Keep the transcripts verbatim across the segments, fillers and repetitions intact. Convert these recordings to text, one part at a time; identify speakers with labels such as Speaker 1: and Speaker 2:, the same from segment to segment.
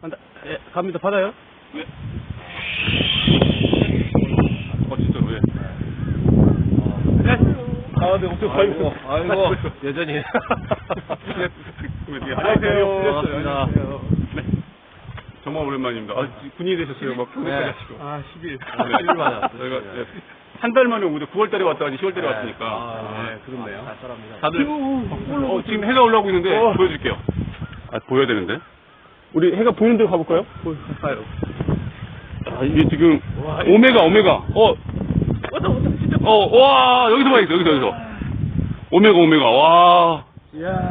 Speaker 1: 간다. 예, 갑니다. 받아요.
Speaker 2: 네. 어, 진짜로, 예.
Speaker 1: 네. 아, 네, 엄청
Speaker 3: 아이고,
Speaker 1: 아이고,
Speaker 3: 아이고, 여전히.
Speaker 2: 네.
Speaker 1: 안녕하세요.
Speaker 3: 반갑습니다.
Speaker 2: 네. 정말 오랜만입니다. 아, 군인이 되셨어요. 막 평소까지
Speaker 3: 네.
Speaker 2: 하시고.
Speaker 1: 아, 십 일.
Speaker 2: 네.
Speaker 3: 십 일 만에 왔어요.
Speaker 2: 저희가 네. 한 달 만에 오죠. 구월 달에 왔다가 시월 달에
Speaker 3: 네.
Speaker 2: 왔으니까.
Speaker 1: 아, 네, 그렇네요.
Speaker 3: 쌀쌀합니다.
Speaker 2: 다들 어, 지금 해가 올라오고 있는데
Speaker 1: 어.
Speaker 2: 보여줄게요. 아, 보여야 되는데. 우리 해가 보이는 데로 가볼까요?
Speaker 1: 가요.
Speaker 2: 아, 이게 지금
Speaker 1: 와,
Speaker 2: 오메가 오메가. 어,
Speaker 1: 왔다, 왔다, 진짜.
Speaker 2: 어, 와, 여기서 봐야겠어. 여기서 여기서. 오메가 오메가. 와.
Speaker 1: 이야.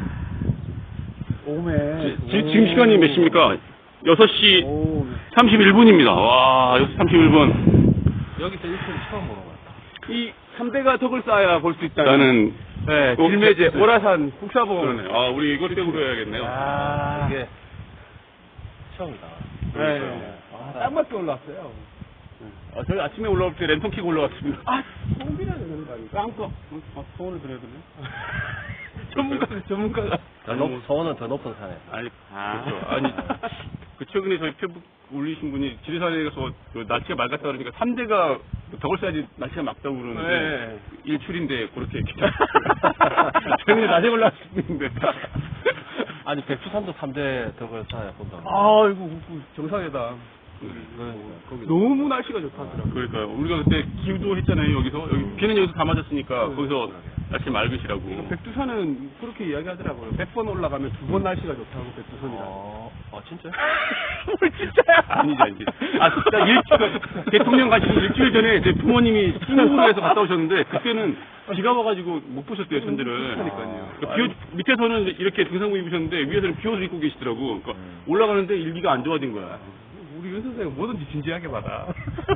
Speaker 1: 오메.
Speaker 2: 지, 지, 지금 시간이 몇 시입니까? 여섯 시
Speaker 1: 오.
Speaker 2: 삼십일 분입니다. 와, 여섯 시 삼십일 분.
Speaker 3: 여기서 일출을 처음 보는 것 같아.
Speaker 1: 이 삼 대가 덕을 쌓아야 볼 수 있다.
Speaker 2: 나는
Speaker 1: 네,
Speaker 2: 어,
Speaker 1: 길매제,
Speaker 2: 네.
Speaker 1: 오라산, 국사봉.
Speaker 2: 그러네. 아, 우리 이거 떼으로 해야겠네요.
Speaker 1: 아,
Speaker 3: 이게 처음이다.
Speaker 1: 네. 아, 딱 맞게 올라왔어요.
Speaker 2: 아, 저희 아침에 올라올 때 랜턴 켜고 올라왔습니다.
Speaker 1: 아, 소음이라는 되는 거 아닙니까?
Speaker 2: 깜깜. 아, 소원을 드려야 되네.
Speaker 1: 전문가가, 전문가가.
Speaker 3: 더 높, 서원은 더 높은 산에.
Speaker 2: 아니, 그렇죠. 아니, 그 최근에 저희 페북 올리신 분이 지리산에 가서 그 날씨가 맑았다 그러니까 삼 대가 덕을 쌓야지 날씨가 맑다고 그러는데
Speaker 1: 네.
Speaker 2: 일출인데 그렇게 얘기 저희는 낮에 올라왔는데
Speaker 3: 아니, 백두산도 삼 대 덕을 쌓아야 본다.
Speaker 1: 아이고, 정상이다.
Speaker 3: 그러니까, 거기.
Speaker 1: 너무 날씨가 좋다더라고요.
Speaker 2: 그러니까요. 우리가 그때 기우도 했잖아요. 여기서 여기 비는 여기서 다 맞았으니까
Speaker 1: 네.
Speaker 2: 거기서 날씨 맑으시라고.
Speaker 1: 백두산은 그렇게 이야기하더라고요. 백 번 올라가면 두 번 날씨가 좋다고, 백두산이라.
Speaker 3: 어, 어, 진짜?
Speaker 1: 뭘 진짜야?
Speaker 2: 아니지, 아니지. 아, 진짜 일주일, 대통령 가시기 일주일 전에 제 부모님이 싱가포르에서 갔다 오셨는데, 그때는 비가 와가지고 못 보셨대요, 천지를.
Speaker 1: 그러니까요.
Speaker 2: 그러니까 비 오, 밑에서는 이렇게 등산복 입으셨는데, 위에서는 비옷을 입고 계시더라고. 그러니까
Speaker 3: 음.
Speaker 2: 올라가는데 일기가 안 좋아진 거야.
Speaker 1: 우리 윤 선생은 뭐든지 진지하게 받아.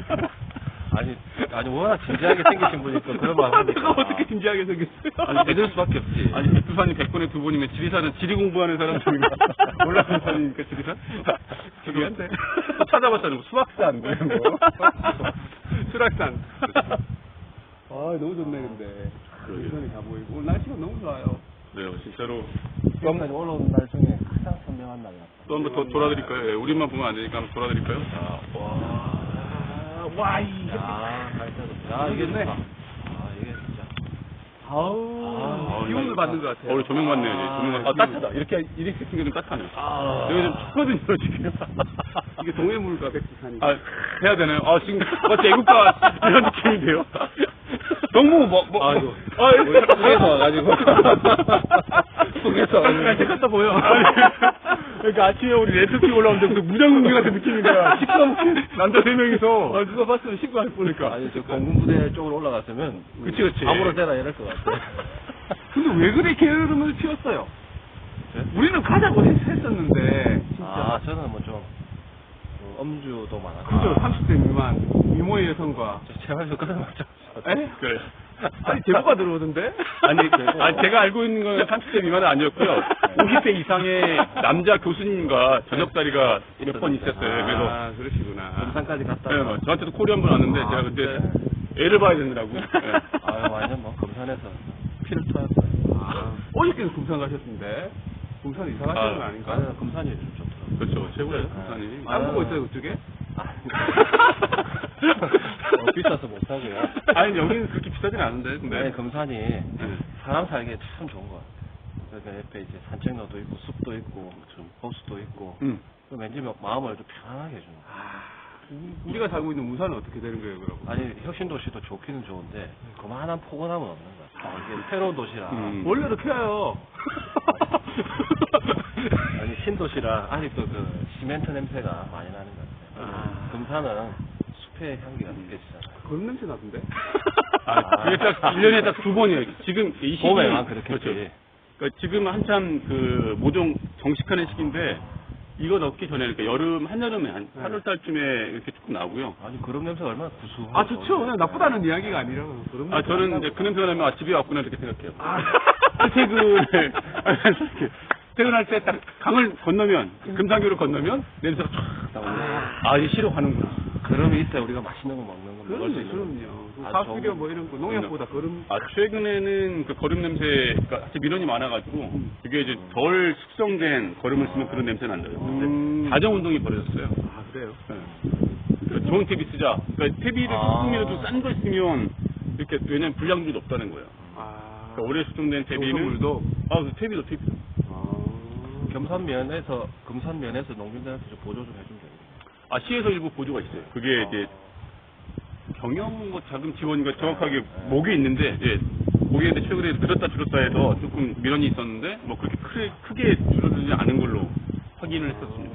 Speaker 3: 아니, 아니, 워낙 진지하게 생기신 분이니까 그런 말 하니까.
Speaker 1: 내가 어떻게 진지하게 생겼어요?
Speaker 3: 아니, 믿을 수밖에 없지.
Speaker 2: 아니, 백두산이 백 번에 두 번이면 지리산은 지리 공부하는 사람들인가? 올라가는 산이니까 지리산?
Speaker 1: 중요한데.
Speaker 2: 또 찾아봤잖아요. 뭐 수학산, 뭐 이런 거.
Speaker 1: 수락산. 아, 너무 좋네, 근데.
Speaker 2: 그러게요.
Speaker 1: 유선이 다 보이고. 오늘 날씨가 너무 좋아요.
Speaker 2: 그래요, 진짜로.
Speaker 3: 여기까지 올라온 날 중에 가장 선명한 날이야.
Speaker 2: 또 한 번 더 돌아드릴까요? 예, 우리만 보면 안 되니까 한번 돌아드릴까요?
Speaker 3: 아, 와.
Speaker 1: 아, 와, 이.
Speaker 3: 야, 발전도. 야, 이게
Speaker 1: 좋네.
Speaker 3: 좋다. 아, 이게 진짜.
Speaker 1: 아우,
Speaker 2: 아,
Speaker 1: 기운을
Speaker 2: 이거-
Speaker 1: 받는 것 같아요.
Speaker 2: 어, 우리 조명 받네요, 이제.
Speaker 3: 아,
Speaker 2: 조명 받... 아, 따뜻하다. 이렇게, 이렇게 생겨 좀 따뜻하네요.
Speaker 3: 아.
Speaker 2: 여기 좀 춥거든요, 지금.
Speaker 1: 이게 동해물과 백두산이.
Speaker 2: 아, 해야 되나요? 아, 지금, 마치 애국가 이런 느낌인데요? 너무, 뭐, 뭐,
Speaker 3: 아이고.
Speaker 2: 아,
Speaker 3: 우리 속에서 와가지고. 속에서.
Speaker 1: 아, 제 같다 보여. 그러니까 아침에 우리 레트키 올라오는데 그 무장공개 같은 느낌인 거야. 시끄럽게 남자 세 명이서. 아, 누가 봤으면 신고할 뻔니까.
Speaker 3: 아니, 저 공군부대 쪽으로 올라갔으면.
Speaker 2: 그치, 그치.
Speaker 3: 아무런 때나 이럴 것 같아.
Speaker 1: 근데 왜 그래 게으름을 피웠어요?
Speaker 3: 네?
Speaker 1: 우리는 가자고 했, 했었는데. 진짜.
Speaker 3: 아, 저는 뭐 좀, 그 엄주도 많았고.
Speaker 1: 그죠, 삼십 대 미만, 미모의 여성과.
Speaker 3: 저 제발 좀 끊어맞죠.
Speaker 1: 에?
Speaker 2: 그래.
Speaker 1: 아니, 제보가 들어오던데?
Speaker 2: 아니, 아니, 제가 알고 있는 건 삼십 대 미만은 아니었고요. 오십 대 이상의 남자 교수님과 저녁 자리가 몇 번 있었어요. 그래서.
Speaker 1: 아, 그러시구나.
Speaker 3: 금산까지 갔다.
Speaker 2: 네, 뭐 저한테도 콜이 한 번 왔는데,
Speaker 3: 아,
Speaker 2: 제가 그때
Speaker 3: 그때?
Speaker 2: 애를 봐야 되느라고. 네.
Speaker 3: 아유, 완전 뭐, 금산에서 피를 토했어요.
Speaker 1: 아, 어저께는 금산 가셨는데? 금산 이사 가시는 거
Speaker 2: 아,
Speaker 1: 아닌가?
Speaker 3: 아니, 금산이 좀 좋더라고요.
Speaker 2: 그렇죠. 최고예요, 부산이.
Speaker 1: 안 보고 있어요, 그쪽에?
Speaker 3: 아, 어, 비싸서 못하고요.
Speaker 2: 아니, 여기는 그렇게 비싸진 않은데, 근데.
Speaker 3: 아니, 금산이 사람 살기에 참 좋은 것 같아요. 그러니까 옆에 이제 산책로도 있고, 숲도 있고, 좀 호수도 있고,
Speaker 2: 음.
Speaker 3: 그 왠지 막 마음을 좀 편안하게 해주는 거예요.
Speaker 1: 아, 우리가 살고 있는 무산은 어떻게 되는 거예요, 그럼?
Speaker 3: 아니, 혁신도시도 좋기는 좋은데, 그만한 포근함은 없는 것 같아요. 이게 새로운 도시라.
Speaker 2: 음.
Speaker 1: 원래도 켜요.
Speaker 3: 아니, 신도시라 아직도 그 시멘트 냄새가 많이 나는 것 같아요.
Speaker 1: 아.
Speaker 3: 금산은 숲의 향기가 느껴지잖아요.
Speaker 1: 그런 냄새 나던데?
Speaker 2: 아, 그게 딱 일 년에 딱 두 번이에요. 지금 이 시기.
Speaker 3: 봄에만 그렇겠지.
Speaker 2: 그렇죠. 그러니까 지금 한참 그 모종 정식하는 시기인데, 이거 넣기 전에, 그러니까 여름, 한여름에 한
Speaker 1: 네.
Speaker 2: 팔월 달쯤에 이렇게 조금 나오고요.
Speaker 3: 아니, 그런 냄새가 얼마나 구수하고.
Speaker 1: 아, 좋죠. 그냥 나쁘다는 이야기가 아니라. 그런
Speaker 2: 아,
Speaker 1: 냄새
Speaker 2: 저는
Speaker 1: 난다고.
Speaker 2: 이제 그 냄새가 나면 아, 집에 왔구나 이렇게 생각해요.
Speaker 1: 아.
Speaker 2: 퇴근을, 이렇게 퇴근할 때 딱 강을 건너면, 금산교를 건너면 냄새가 쫙 나오고, 아, 이제 쉬러 가는구나.
Speaker 3: 그럼이 있어야 우리가 맛있는 거 먹는 거 먹을 수
Speaker 1: 그럼요,
Speaker 3: 있는
Speaker 1: 그럼요.
Speaker 3: 거.
Speaker 1: 사수료 뭐 이런 거 농약보다 거름.
Speaker 2: 아, 최근에는 그 거름 냄새가 사실 민원이 많아가지고, 그게 이제 덜 숙성된 거름을 쓰면 그런 냄새는 안 나요. 근데
Speaker 1: 음.
Speaker 2: 자정 운동이 벌어졌어요.
Speaker 1: 아 그래요?
Speaker 2: 네. 그러니까 좋은 태비 쓰자. 그러니까 태비를
Speaker 3: 아.
Speaker 2: 조금이라도 싼 거 쓰면, 이렇게, 왜냐면 불량률이 높다는 거예요.
Speaker 1: 아.
Speaker 2: 그러니까 오래 숙성된 태비는.
Speaker 1: 농산물도.
Speaker 2: 아, 그 태비도 태비도.
Speaker 1: 아.
Speaker 3: 겸산면에서 금산면에서 농민들한테 좀 보조 좀 해주면 되겠네.
Speaker 2: 아, 시에서 일부 보조가 있어요. 그게 이제, 경영 뭐 자금 지원인가 정확하게 목에 있는데, 예. 목에 있는데 최근에 늘었다 줄었다 해서 조금 민원이 있었는데, 뭐 그렇게 크게, 크게 줄어들지 않은 걸로 확인을 했었습니다.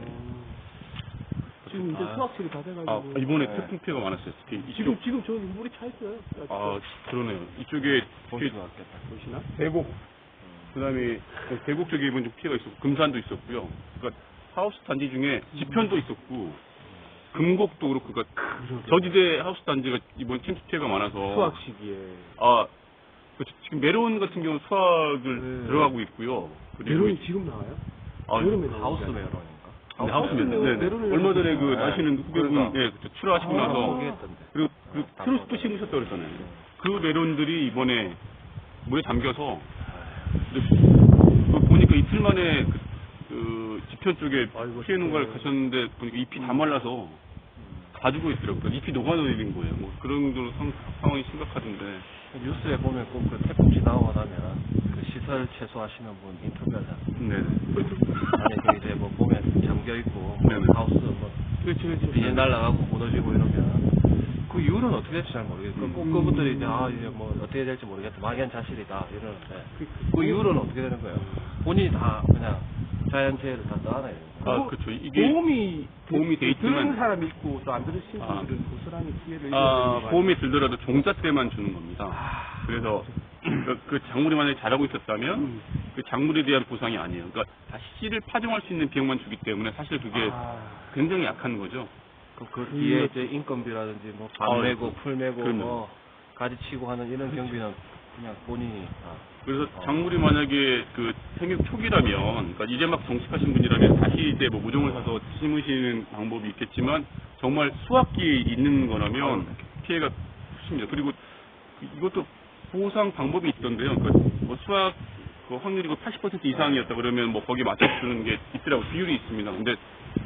Speaker 1: 지금 이제
Speaker 3: 아.
Speaker 1: 수확철이 다 돼가지고.
Speaker 2: 아, 이번에
Speaker 3: 네.
Speaker 2: 태풍 피해가 많았어요. 특히 이쪽.
Speaker 1: 지금 지금 저 물이 차 있어요.
Speaker 2: 아, 그러네요. 이쪽에
Speaker 3: 보시면
Speaker 2: 특히
Speaker 3: 맞겠다.
Speaker 1: 보시나?
Speaker 2: 대곡, 그 다음에 대곡 쪽에 이번 좀 피해가 있었고, 금산도 있었고요. 그러니까 하우스 단지 중에 지편도 있었고, 금곡도 그렇고, 그러니까 저지대 하우스 단지가 이번 침수 피해가 많아서.
Speaker 1: 수확 시기에.
Speaker 2: 아, 그 지금 메론 같은 경우 수확을
Speaker 1: 네.
Speaker 2: 들어가고 있고요. 그리고
Speaker 1: 메론이 지금 나와요?
Speaker 2: 아,
Speaker 1: 여름에
Speaker 3: 하우스
Speaker 1: 나오잖아요.
Speaker 3: 메론인가?
Speaker 2: 네, 하우스 메론. 네, 네.
Speaker 1: 메론을
Speaker 2: 얼마 전에 그
Speaker 1: 네.
Speaker 2: 아시는 후배분,
Speaker 3: 그러니까.
Speaker 2: 예, 그쵸, 출하하시고
Speaker 1: 아,
Speaker 2: 나서.
Speaker 3: 포기했던데.
Speaker 2: 그리고 그 트로스도 심으셨다고 그랬잖아요. 그 메론들이 이번에 물에 잠겨서 근데 그 보니까 이틀 만에 그, 그 지편 쪽에
Speaker 1: 아이고,
Speaker 2: 피해 농가를
Speaker 1: 진짜요.
Speaker 2: 가셨는데 보니까 잎이 다 말라서 다 죽어 있더라고요. 잎이 녹아내린 거예요. 뭐 그런 정도로 상, 상황이 심각하던데.
Speaker 3: 뉴스에 보면 꼭 그 태풍 지나고 나면 그 시설 최소하시는 분 인터뷰하잖아요.
Speaker 2: 네네.
Speaker 3: 안에 그 이제 뭐 보면 잠겨 있고 뭐
Speaker 2: 네네.
Speaker 3: 하우스 뭐
Speaker 1: 그렇지, 그렇지.
Speaker 3: 비닐 날라가고 무너지고 이러면 그 이유는 어떻게 될지 잘 모르겠고
Speaker 2: 음.
Speaker 3: 꼭 그분들이 이제 아 이제 뭐 어떻게 될지 모르겠다 막연자실이다 이러는데
Speaker 1: 그-
Speaker 3: 그 이유는 어떻게 되는 거예요? 본인이 다 그냥 자연재해를 다 떠안아야 돼요.
Speaker 2: 아, 그렇죠. 이게
Speaker 1: 보험이
Speaker 2: 보험이 돼 있지만-
Speaker 1: 들은 사람이 있고 또 안 들으신
Speaker 2: 아.
Speaker 1: 분들은 고스란히 피해를
Speaker 2: 아,
Speaker 1: 입어야
Speaker 2: 보험이 들더라도 종자 때만 주는 겁니다.
Speaker 1: 아,
Speaker 2: 그래서 그, 그 작물이 만약에 자라고 있었다면
Speaker 1: 음.
Speaker 2: 그 작물에 대한 보상이 아니에요. 그러니까 다시 씨를 파종할 수 있는 비용만 주기 때문에 사실 그게
Speaker 1: 아.
Speaker 2: 굉장히 약한 거죠.
Speaker 3: 그, 그 뒤에 이제 인건비라든지 뭐
Speaker 2: 아,
Speaker 3: 밥 메고 풀 메고
Speaker 2: 그럼요.
Speaker 3: 뭐 가지 치고 하는 이런 경비는 그냥 본인이 다
Speaker 2: 그래서
Speaker 3: 어.
Speaker 2: 작물이 만약에 그 생육 초기라면, 그러니까 이제 막 정식하신 분이라면 다시 이제 뭐 모종을 사서 심으시는 방법이 있겠지만 정말 수확기에 있는 거라면 피해가 크십니다. 그리고 이것도 보상 방법이 있던데요. 그러니까 뭐 수확 그 확률이 팔십 퍼센트 이상이었다 그러면 뭐 거기에 맞춰주는 게 있더라고 비율이 있습니다. 근데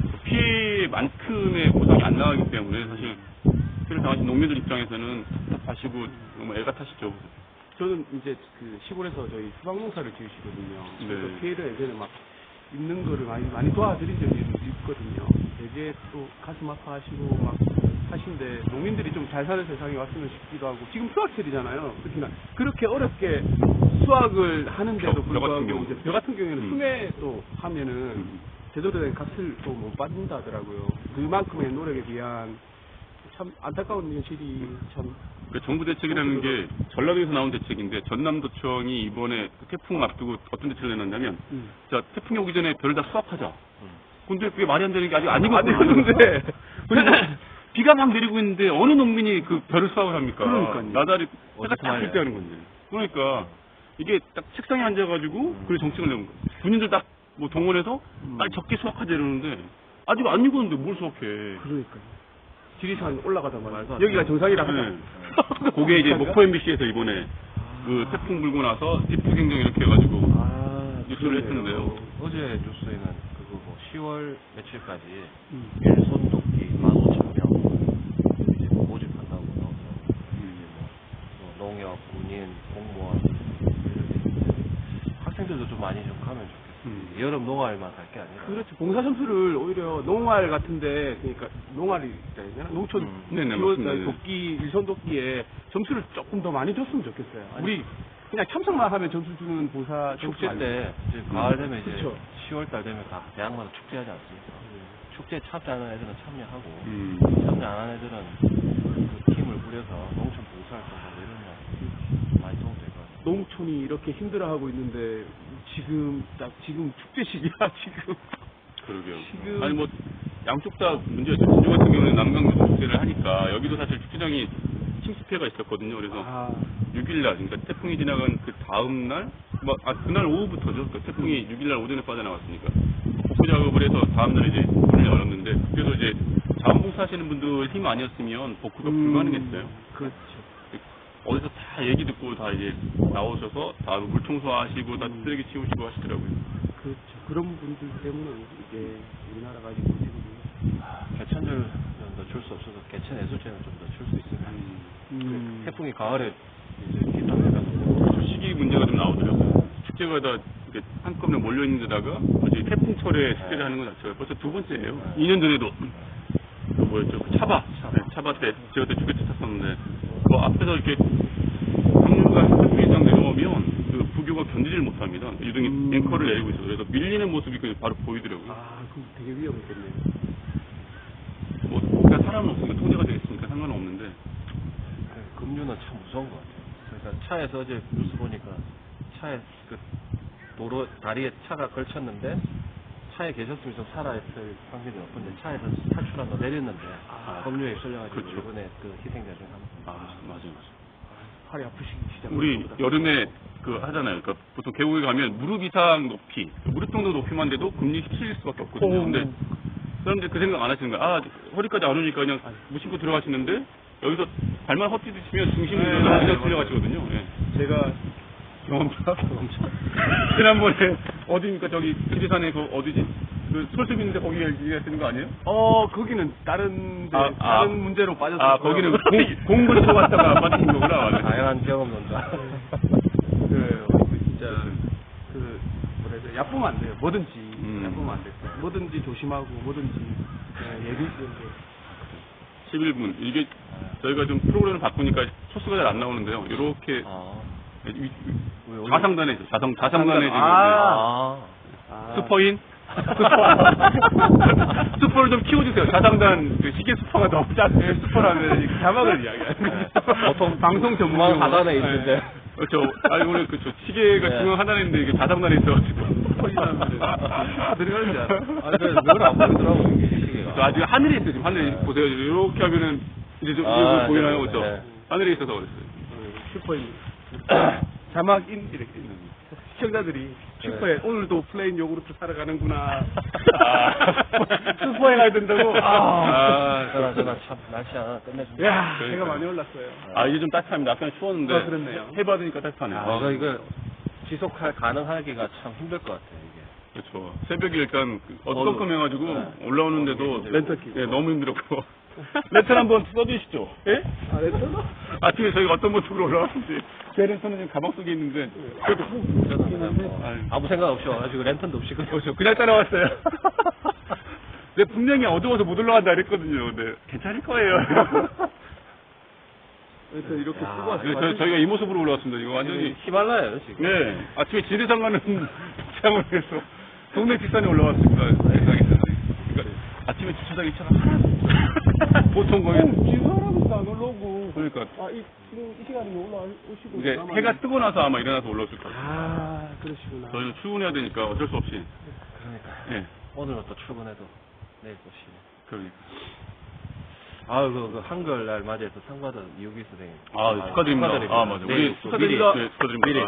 Speaker 2: 피해만큼의 보상이 안 나가기 때문에 사실 피해를 당하신 농민들 입장에서는 답답하시고 정말 애가 타시죠.
Speaker 1: 저는 이제 그 시골에서 저희 수박농사를 지으시거든요. 그래서
Speaker 2: 네.
Speaker 1: 피해를 예전에 막 입는 거를 많이 많이 도와드린 적이 있거든요. 되게 또 가슴 아파하시고 막 하신데 농민들이 좀 잘 사는 세상에 왔으면 싶기도 하고 지금 수확철이잖아요. 특히나 그렇게 어렵게 수확을 하는데도
Speaker 2: 벼, 벼
Speaker 1: 불구하고
Speaker 2: 같은 경우.
Speaker 1: 이제 벼 같은 경우에는
Speaker 2: 음.
Speaker 1: 숨에 또 하면은
Speaker 2: 음.
Speaker 1: 제대로 된 값을 또 못 받는다 하더라고요. 그만큼의 노력에 비한 참 안타까운 현실이 참.
Speaker 2: 그 정부 대책이라는 게 전라도에서 나온 대책인데 전남도청이 이번에 그 태풍 앞두고 어떤 대책을 내놨냐면
Speaker 1: 음.
Speaker 2: 자 태풍이 오기 전에 벼를 다 수확하자.
Speaker 3: 음.
Speaker 2: 근데 그게 말이 안 되는 게 아직 안
Speaker 1: 안
Speaker 2: 익었거든요.
Speaker 1: 익었는데.
Speaker 2: 그리고 비가 막 내리고 있는데 어느 농민이 그 벼를 수확을 합니까?
Speaker 1: 그러니까요.
Speaker 2: 나달이 해가
Speaker 3: 어디서
Speaker 2: 딱
Speaker 3: 말이야.
Speaker 2: 뜰 때 하는 건데. 그러니까 이게 딱 책상에 앉아가지고
Speaker 3: 음.
Speaker 2: 그래 정책을 내는 거예요. 군인들 딱 뭐 동원해서 빨리 적게 수확하자 이러는데 아직 안 익었는데 뭘 수확해.
Speaker 1: 그러니까요. 지리산 올라가자마자
Speaker 3: 말도 안 돼.
Speaker 1: 여기가 정상이라 하자.
Speaker 2: 네. 그게 이제 목포 엠비씨에서 이번에 그 태풍 불고 나서 뒷부 경정 이렇게 해가지고
Speaker 1: 아,
Speaker 2: 뉴스를
Speaker 1: 그러네요.
Speaker 2: 했는데요.
Speaker 3: 어제 뉴스에는 그거 뭐 시월 며칠까지
Speaker 1: 음.
Speaker 3: 일손 돕기 만 오천 명 이제 뭐 모집한다고 나오더라고요. 이제 뭐, 뭐 농협, 군인, 공무원 이런 게 있는데 학생들도 좀 많이 좀 가면 좋겠어요.
Speaker 2: 음.
Speaker 3: 여름 농활만 갈 게 아니라.
Speaker 1: 그렇죠. 봉사 점수를 오히려 농활 같은데, 그러니까 농활이 되나? 농촌
Speaker 3: 음.
Speaker 2: 네네,
Speaker 1: 기호-
Speaker 2: 맞습니다. 네.
Speaker 1: 돕기, 일선 돕기에 점수를 조금 더 많이 줬으면 좋겠어요.
Speaker 3: 아니,
Speaker 1: 우리 그냥 참석만 하면 점수 주는 봉사
Speaker 3: 축제
Speaker 1: 점수
Speaker 3: 때 이제 가을 되면 이제
Speaker 1: 그쵸.
Speaker 3: 시월 달 되면 다 대학마다 축제하지 않습니까? 축제에 참여하는 애들은 참여하고
Speaker 2: 음.
Speaker 3: 참여 안 하는 애들은 그 팀을 꾸려서 농촌 봉사활동하고 이러면 많이 도움 될 것 같아요.
Speaker 1: 농촌이 이렇게 힘들어하고 있는데 지금 딱 지금 축제 시기야 지금.
Speaker 2: 그러게요.
Speaker 1: 지금-
Speaker 2: 아니 뭐 양쪽 다 문제였죠. 진주 같은 경우는 남강도 축제를 하니까 여기도 사실 축제장이 침수 피해가 있었거든요. 그래서
Speaker 1: 아,
Speaker 2: 육 일 날, 그러니까 태풍이 지나간 그 다음 날, 뭐, 아, 그날 오후부터죠. 그 태풍이 육 일 날 오전에 빠져나왔으니까. 복구 작업을 해서 다음 날 이제 문을 열었는데, 그래서 이제 자원봉사 주식회사 하시는 분들 힘 아니었으면 복구가
Speaker 1: 음,
Speaker 2: 불가능했어요.
Speaker 1: 그렇죠.
Speaker 2: 어디서 다 얘기 듣고 다 이제 나오셔서 다 물청소하시고 다
Speaker 1: 음.
Speaker 2: 쓰레기 치우시고 하시더라고요.
Speaker 1: 그렇죠. 그런 분들 때문에 이게 우리나라가 지금 지금
Speaker 3: 아, 개천절은 더 줄 수 없어서 개천 애수제는 좀 더 줄 수 있으면
Speaker 1: 음.
Speaker 3: 태풍이 가을에 이제 기상해가지고
Speaker 2: 그 시기 문제가 좀 나오더라고요. 축제가 다 이렇게 한꺼번에 몰려 있는 데다가 이제 태풍철에 축제를
Speaker 3: 네.
Speaker 2: 하는 건 자체가 벌써 두 번째예요.
Speaker 3: 네.
Speaker 2: 이 년 전에도 그 뭐였죠? 그 차바, 네, 차바 때 제가 그때 축제 탔었는데 그 앞에서 이렇게 강류가 한 분 이상 내려오면 그 부교가 견디질 못합니다. 유등이
Speaker 1: 음.
Speaker 2: 앵커를 내리고 있어요. 그래서 밀리는 모습이 그냥 바로 보이더라고요.
Speaker 1: 아, 그럼 되게 위험했겠네요.
Speaker 2: 뭐 그러니까 사람은 없으니까 통제가 되겠으니까 상관은 없는데
Speaker 3: 그 급류는 참 무서운 것 같아요. 그러니까 차에서 어제 뉴스 보니까 차에 그 도로 다리에 차가 걸쳤는데 차에 계셨으면 좀 살아있을 확률이 높은데 차에서 탈출하다 내렸는데
Speaker 1: 아,
Speaker 3: 급류에 쏠려가지고
Speaker 2: 그렇죠.
Speaker 3: 이번에 그 희생자 중에 한 분.
Speaker 2: 아 맞아요, 맞아요.
Speaker 1: 팔이 아프시기 시작.
Speaker 2: 우리 여름에 그 하잖아요. 그러니까 보통 계곡에 가면 무릎 이상 높이, 무릎 정도 높이만 돼도 금리시킬 수밖에 없거든요. 근데 사람들이 그 생각 안 하시는 거야. 아, 허리까지 안 오니까 그냥 무심코 들어가시는데 여기서 발만 헛디디시면 중심이
Speaker 1: 네,
Speaker 2: 그냥
Speaker 1: 맞아요,
Speaker 2: 들려가시거든요. 예.
Speaker 1: 제가
Speaker 2: 경험자? 지난번에 어디입니까? 저기 지리산에 그 어디지? 그 솔숲 있는데 거기 얘기하시는 거 아니에요?
Speaker 1: 어 거기는 다른 데,
Speaker 2: 아, 아.
Speaker 1: 다른 문제로 빠졌어요.
Speaker 2: 아, 거기는 공, 공부를 쏘았다가 빠진 거구나. 맞아요.
Speaker 3: 다양한 경험 논다.
Speaker 1: 그 어, 진짜 그 뭐라 해야 돼? 얕보면 안 돼요. 뭐든지
Speaker 2: 음.
Speaker 1: 얕보면 안 돼요. 뭐든지 조심하고 뭐든지 네, 얘기 이렇게
Speaker 2: 십일 분. 이게 저희가 좀 프로그램을 바꾸니까 초수가 잘 안 나오는데요. 이렇게
Speaker 3: 아,
Speaker 2: 좌상단에 있어요. 좌상, 좌상단에 지금
Speaker 3: 아,
Speaker 1: 아.
Speaker 2: 슈퍼인? 슈퍼를 좀 키워주세요. 좌상단 그 시계 슈퍼가 너무 작아요.
Speaker 1: 네, 슈퍼라면 이 자막을 이야기하는
Speaker 3: 보통
Speaker 1: 방송 전문
Speaker 3: 중앙 하단에 있는데.
Speaker 2: 네. 그렇죠. 아니 오늘 그쵸 시계가
Speaker 3: 네.
Speaker 2: 중앙 하단에 있는데 이게 좌상단에 있어가지고
Speaker 1: 슈퍼 들어가는 줄 알아.
Speaker 3: 아니, 그래서 늘 안 보이더라고, 이게 시계가.
Speaker 2: 그 아직 하늘에 있어요. 지금 하늘에
Speaker 3: 네.
Speaker 2: 보세요. 이렇게 하면은 이제 좀
Speaker 3: 아,
Speaker 2: 이거 보이나요,
Speaker 3: 네,
Speaker 2: 그렇죠?
Speaker 3: 네.
Speaker 2: 하늘에 있어서 그랬어요.
Speaker 1: 슈퍼인 자막인 이렇게 시청자들이 슈퍼에 오늘도 플레인 요구르트 사러 가는구나.
Speaker 2: 아.
Speaker 1: 슈퍼에 가야 된다고. 아,
Speaker 2: 아,
Speaker 3: 그러나, 그러나 참, 날씨 하나 끝내준다.
Speaker 1: 야,
Speaker 2: 그러니까요.
Speaker 1: 제가 많이 올랐어요.
Speaker 2: 아 이제 좀 따뜻합니다. 아까는 추웠는데
Speaker 1: 아, 그렇네요.
Speaker 2: 해받으니까 따뜻하네요.
Speaker 3: 아, 이거, 이거, 지속할, 가능하기가 참 힘들 것 같아요, 이게.
Speaker 2: 그렇죠. 새벽에 일단 그 어두컴컴해가지고
Speaker 3: 네.
Speaker 2: 올라오는데도
Speaker 1: 렌터 끼고.
Speaker 2: 네, 너무 힘들었고 렌터 한번 써주시죠. 예?
Speaker 1: 아, 렌터?
Speaker 2: 아침에 저희가 어떤 모습으로 올라왔는지 제 렌터는 지금 가방 속에 있는데 그래도
Speaker 3: 저는 그냥 뭐,
Speaker 2: 아유.
Speaker 3: 아무 생각 없이 와가지고 렌턴도 없이 그냥
Speaker 2: 그렇죠. 그냥 따라왔어요. 내 분명히 어두워서 못 올라간다 그랬거든요. 근데 괜찮을 거예요.
Speaker 1: 렌터 이렇게
Speaker 3: 야,
Speaker 1: 쓰고 왔어요.
Speaker 2: 그래서 저희- 저희가 이 모습으로 올라왔습니다. 이거 완전히
Speaker 3: 히말라야요, 지금.
Speaker 2: 네 아침에 지리산 가는 장을 해서 동네 뒷산에 올라왔습니다. 세상에. 그러니까 아침에 주차장에 차가 하나도 없어요. 보통 거의
Speaker 1: 지금 사람도 안 올라오고.
Speaker 2: 그러니까
Speaker 1: 아, 이, 지금 이 시간에 올라오시고.
Speaker 2: 이제
Speaker 1: 남았네.
Speaker 2: 해가 뜨고 나서 아마 일어나서 올라왔을 거예요.
Speaker 1: 아, 그러시구나.
Speaker 2: 저희는 출근해야 되니까 어쩔 수 없이.
Speaker 3: 그러니까.
Speaker 2: 예.
Speaker 3: 오늘은 또 출근해도 내일 또 쉬네.
Speaker 2: 그러니까.
Speaker 3: 아, 그, 그 한글날 맞이해서 상 받은 이우기 선생님.
Speaker 2: 아, 축하드립니다. 아, 맞아.
Speaker 3: 내일
Speaker 2: 우리
Speaker 3: 또
Speaker 2: 축하드립니다.
Speaker 3: 미리,
Speaker 2: 네, 축하드립니다.
Speaker 3: 미리.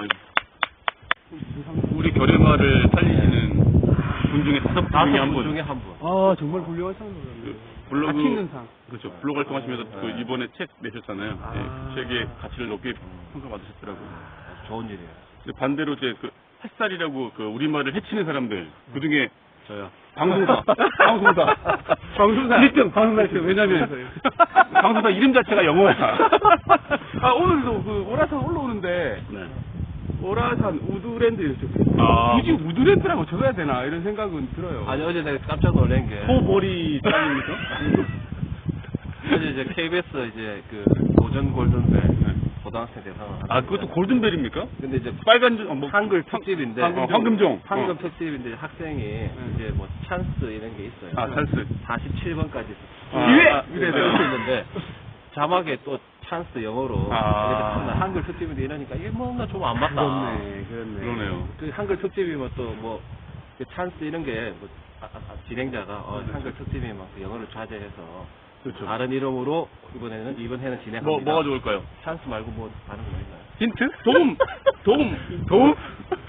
Speaker 2: 아, 우리 결의마를 살리시는 분 중에 다섯 분
Speaker 3: 다섯
Speaker 2: 중에 한
Speaker 3: 분
Speaker 2: 분.
Speaker 3: 중에 한 분.
Speaker 1: 아, 정말 훌륭한 상을
Speaker 2: 그
Speaker 1: 받았네요.
Speaker 2: 블로그
Speaker 1: 가치 있는 상.
Speaker 2: 그렇죠. 블로그 활동하시면서 그
Speaker 3: 네.
Speaker 2: 이번에 책 내셨잖아요.
Speaker 1: 아.
Speaker 2: 예, 책의 가치를 높게 평가받으셨더라고요.
Speaker 3: 아주 좋은 일이에요.
Speaker 2: 근데 반대로 이제 그 햇살이라고 그 우리말을 해치는 사람들 그 중에
Speaker 3: 저요.
Speaker 2: 방송사, 방송사,
Speaker 1: 방송사.
Speaker 2: 일 등 방송사 일 등. 왜냐면 방송사 이름 자체가 영어야.
Speaker 1: 아, 오늘도 그 오라산 올라오는데,
Speaker 2: 네.
Speaker 1: 오라산 우드랜드였죠.
Speaker 2: 아.
Speaker 1: 굳이 우드랜드라고 적어야 되나, 이런 생각은 들어요.
Speaker 3: 아니, 어제 내가 깜짝 놀란 게.
Speaker 2: 소보리 짱입니까?
Speaker 3: 어제 이제 케이비에스 이제 그 도전 골든벨 고등학생 대상을 하는데.
Speaker 2: 아 그것도 골든벨입니까?
Speaker 3: 근데 이제
Speaker 2: 빨간 줄- 어, 뭐
Speaker 3: 한글 특집인데.
Speaker 2: 황- 어, 황금종.
Speaker 3: 황금
Speaker 2: 어.
Speaker 3: 특집인데 학생이 이제 뭐 찬스 이런 게 있어요.
Speaker 2: 아 찬스.
Speaker 3: 사십칠 번까지
Speaker 2: 아,
Speaker 3: 기회!
Speaker 2: 아,
Speaker 3: 이래서
Speaker 2: 네.
Speaker 3: 쓸수 있는데 자막에 또 찬스 영어로
Speaker 2: 아.
Speaker 3: 이렇게 탔나 한글 특집인데 이러니까 이게 뭐나 좀 안 맞다.
Speaker 1: 그렇네, 그렇네.
Speaker 2: 그러네요.
Speaker 3: 그 한글 특집이면 또뭐 그 찬스 이런 게뭐 아, 아, 아, 진행자가 어, 한글 특집이면 그 영어를 자제해서
Speaker 2: 그렇죠.
Speaker 3: 다른 이름으로 이번에는 이번 해는 진행합니다.
Speaker 2: 뭐 뭐가 좋을까요?
Speaker 3: 찬스 말고 뭐 다른 거 있나요?
Speaker 2: 힌트? 도움, 도움, 도움.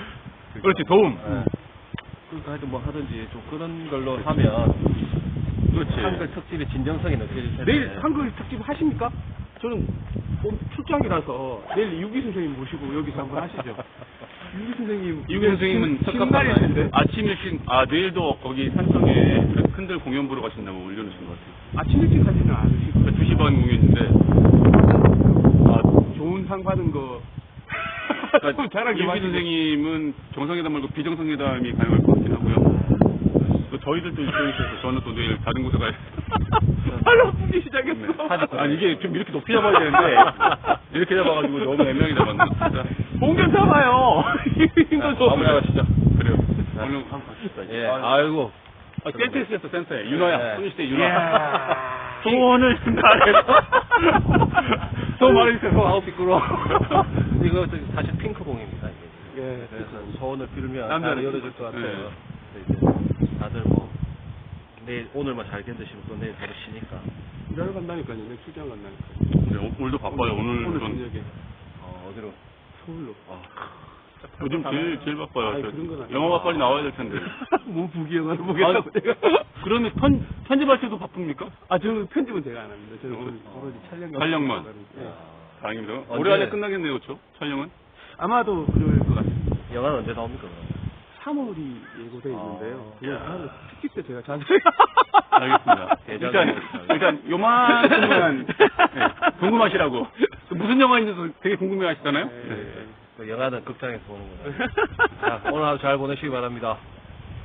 Speaker 2: 그렇지 도움.
Speaker 3: 네. 그러니까 하여튼 뭐 하든지 좀 그런 걸로 하면
Speaker 2: 그렇지.
Speaker 3: 한글 특집의 진정성이 느껴질 텐데.
Speaker 1: 내일 한글 특집 하십니까? 저는 좀 출장이라서 내일 유기 선생님 모시고 여기서 한번 하시죠. 유기 선생님.
Speaker 2: 이규 선생님은
Speaker 1: 신날인데
Speaker 2: 아침 일찍, 아, 내일도 거기 산성에 큰들 공연 보러 가신다고 올려놓으신 것 같아요.
Speaker 1: 아침 일찍 가지는 않으시고
Speaker 2: 두 시 반 공연인데,
Speaker 1: 아, 좋은 상 받은 거.
Speaker 2: 그러니까
Speaker 1: 잘하게
Speaker 2: 이규
Speaker 1: 마시고.
Speaker 2: 선생님은 정상회담 말고 비정상회담이 가능할 것 같긴 하고요. 또 저희들도 일정이 있어서 저는 또 내일 다른 곳에 가야
Speaker 1: 팔 아프기 시작했어.
Speaker 2: 네. 아니, 이게 좀 이렇게 높이 잡아야 되는데, 이렇게 잡아가지고 너무 애매하게 잡았나, 진짜.
Speaker 1: 공견 잡아요. 이거 좀.
Speaker 2: 마무리하시죠. 그래요.
Speaker 3: 자,
Speaker 2: 얼른
Speaker 3: 한번 갑시다.
Speaker 2: 예.
Speaker 3: 예. 아이고.
Speaker 2: 아, 센터에 쓰였어, 센터에. 윤호야.
Speaker 3: 네.
Speaker 2: 소녀시대 윤호.
Speaker 1: 이야.
Speaker 2: 소원을 말해서. 소원 말해주세요.
Speaker 3: 아우, 미끄러워. 이거 저기 사실 핑크공입니다, 이게.
Speaker 1: 예.
Speaker 3: 그래서 소원을 빌면
Speaker 2: 남자는
Speaker 3: 잘 열어줄 것 같아요.
Speaker 2: 네.
Speaker 3: 근데 이제 다들 뭐, 내일, 오늘만 잘 견디시면 또 내일 바로 쉬니까.
Speaker 1: 일하러 간다니까요. 내일 출장 간다니까요.
Speaker 2: 네, 오- 오늘도 바빠요. 오늘
Speaker 1: 오늘
Speaker 2: 전
Speaker 1: 저녁에
Speaker 3: 어, 어디로?
Speaker 1: 서울로.
Speaker 2: 요즘 제일, 제일 바빠요.
Speaker 1: 아니,
Speaker 2: 저
Speaker 1: 그런 건 아니에요.
Speaker 2: 영화가 빨리 나와야 될 텐데.
Speaker 1: 뭐 부기영화를 보겠다고
Speaker 2: 아,
Speaker 1: 제가.
Speaker 2: 그러면 편, 편집할 때도 바쁩니까?
Speaker 1: 아, 저는 편집은 제가 안 합니다. 저는 오늘 오로지 촬영.
Speaker 2: 촬영만.
Speaker 1: 예.
Speaker 2: 다행입니다.
Speaker 3: 언제-
Speaker 2: 올해 안에 끝나겠네요, 그렇죠? 촬영은?
Speaker 1: 아마도 그럴 것 같습니다.
Speaker 3: 영화는 언제 나옵니까, 그럼?
Speaker 1: 삼월이 예고되어 있는데요.
Speaker 3: 아,
Speaker 1: 그걸
Speaker 2: 야.
Speaker 1: 다음에 특집 때 제가 자세히.
Speaker 2: 알겠습니다.
Speaker 3: 대장으로
Speaker 2: 일단,
Speaker 3: 하겠습니다.
Speaker 2: 일단, 요만큼만, 네, 궁금하시라고. 무슨 영화인지도 되게 궁금해 하시잖아요?
Speaker 1: 네.
Speaker 2: 네.
Speaker 3: 그 영화는 극장에서 보는 거예요. 자, 오늘 하루 잘 보내시기 바랍니다.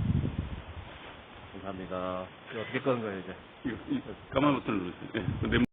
Speaker 3: 감사합니다. 이거 어떻게 끄는 거예요, 이제?
Speaker 2: 이거, 이 까만 버튼을 누르세요. 네. 그 네모